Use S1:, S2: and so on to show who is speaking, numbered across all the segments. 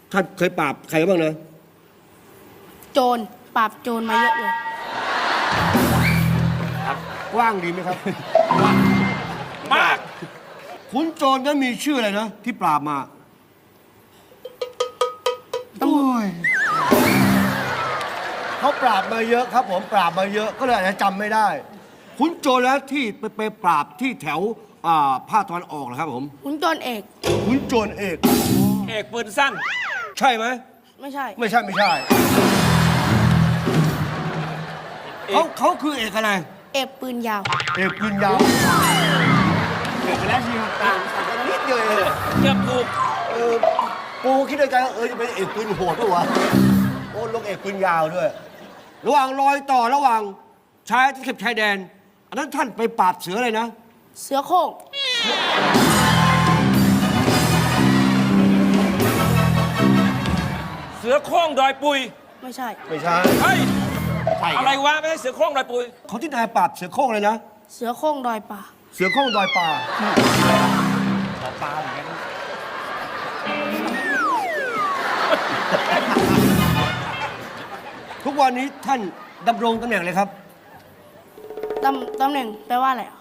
S1: ท่านเคยปราบใครบ้างนะ
S2: โจรปราบโจรมาเยอะเลย
S1: กว้างดีไหมครับ
S3: มาก
S1: ขุนโจรนั้นมีชื่ออะไรนะ ที่ปราบมาโอ้ยเขาปราบมาเยอะครับผมปราบมาเยอะก็เลยอาจจะจำไม่ได้ ขุนโจรแล้วที่ไปปราบที่แถวภาคตะวันออกนะครับผม
S2: ขุนโจรเอก
S1: ขุนโจรเอก
S3: เอกปืนสั้น
S1: ใช่ไหม
S2: ไม่ใช่
S1: ไม่ใช่ไม่ใช่เขาคือเอกอะไร
S2: เอกปืนยาว
S1: เอกปืนยาวเอกแล้วทีต่างกันนิดเดียวเอง
S3: เกือบถูก
S1: ปูคิดในใจว่าจะเป็นเอกปืนโหดปะวะโอ้ลงเอกปืนยาวด้วย ระหว่างรอยต่อระหว่างชายที่เข็บชายแดน อันนั้นท่านไปปราบเสืออะไรนะ
S2: เสือโคร่ง
S3: เสือโคร่งดอยปุย
S2: ไม่ใช่
S1: ไม่ใช่
S3: เฮ้ย อะไรวะ ไม่ใช่เสือโคร่งดอยปุย
S1: เขาที่นายปราบเสือโคร่งเลยนะ
S2: เสือโคร่งดอยป่า
S1: เสือโคร่งดอยป่า
S3: ปลาเหมือนกัน
S1: ทุกวันนี้ท่านดำรงตำแหน่งเลยครับ
S2: ตำแหน่งแปลว่าอะไรอ่ะ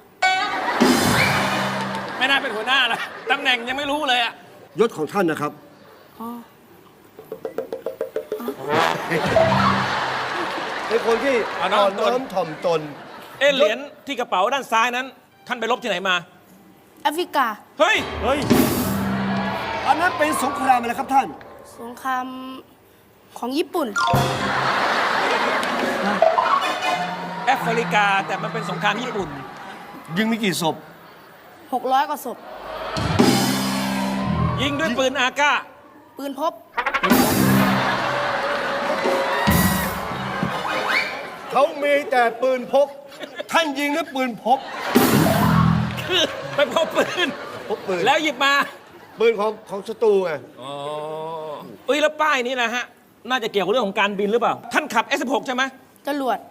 S3: ไม่น่าเป็นหัวหน้านะตำแหน่งยังไม่รู้เลยอะ
S1: ยศของท่านนะครับ
S2: อ๋อ
S1: เป็นคนที่อ่อนน้อมถ่อมตน
S3: เหรียญที่กระเป๋าด้านซ้ายนั้น ท่านไปรบที่ไหนมา
S2: แอฟริกา
S3: เฮ้ย
S1: อันนั้นเป็นสงครามอะไรครับท่าน
S2: สงครามของญี่ปุ่น
S3: แอฟริกาแต่มันเป็นสงครามญี่ปุ่น
S1: ยิงมีกี่ศพ
S2: 600 กว่าศพ
S3: ยิงด้วยปืนอาก้า
S2: ปืนพบ
S1: เขามีแต่ปืนพก ท่านยิงด้วยปืนพก
S3: คือไปพกปืน
S1: พกปืน
S3: แล้วหยิบมา
S1: ปืนของศัตรูไง
S3: อ๋อเอ้ยแล้วป้ายนี้นะฮะ น่าจะเกี่ยวกับเรื่องของการบินหรือเปล่า ท่านขับ S16 ใช่ไหม
S2: จรวด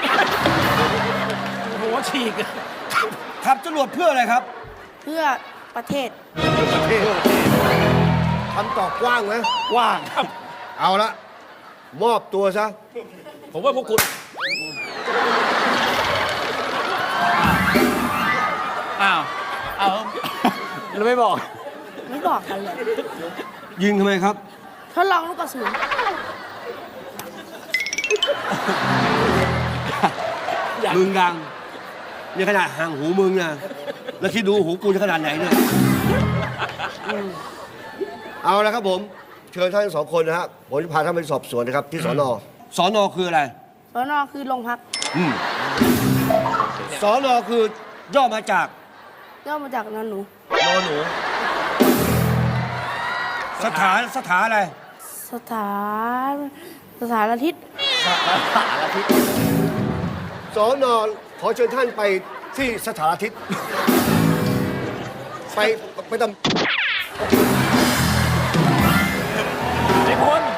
S3: โอ้โหฉีก
S1: ขับจรวดเพื่ออะไรครับ
S2: เพื่อประเทศ
S1: ประเทศคำตอบกว้างไหม
S3: ว่างครับ
S1: เอาละ มอบตัวซะ
S3: ผมว่าพวกคุณ
S4: อ้าว เอาเราไม่บอก
S2: ไม่บอกกันเลย
S1: ยิงทำไมครับ
S2: ทดลองลูกกระสุน
S1: มึงดังนี่ขนาดห่างหูมึงนะแล้วคิดดูหูกูจะขนาดไหนเนี่ยเอาละครับผม เชิญท่านสองคนนะฮะผมจะพาท่านไปสอบสวนนะครับ ที่สนสนคืออะไร
S2: สนคือโรงพัก
S1: สนคือย่อมาจาก
S2: ย่อมาจากนอนหนู
S1: นอหนู สถานอะไร
S2: สถานอาทิตย์
S1: สอนอขอเชิญท่านไปที่สถานอาทิตย์ ไปตำ
S3: ไอ้พล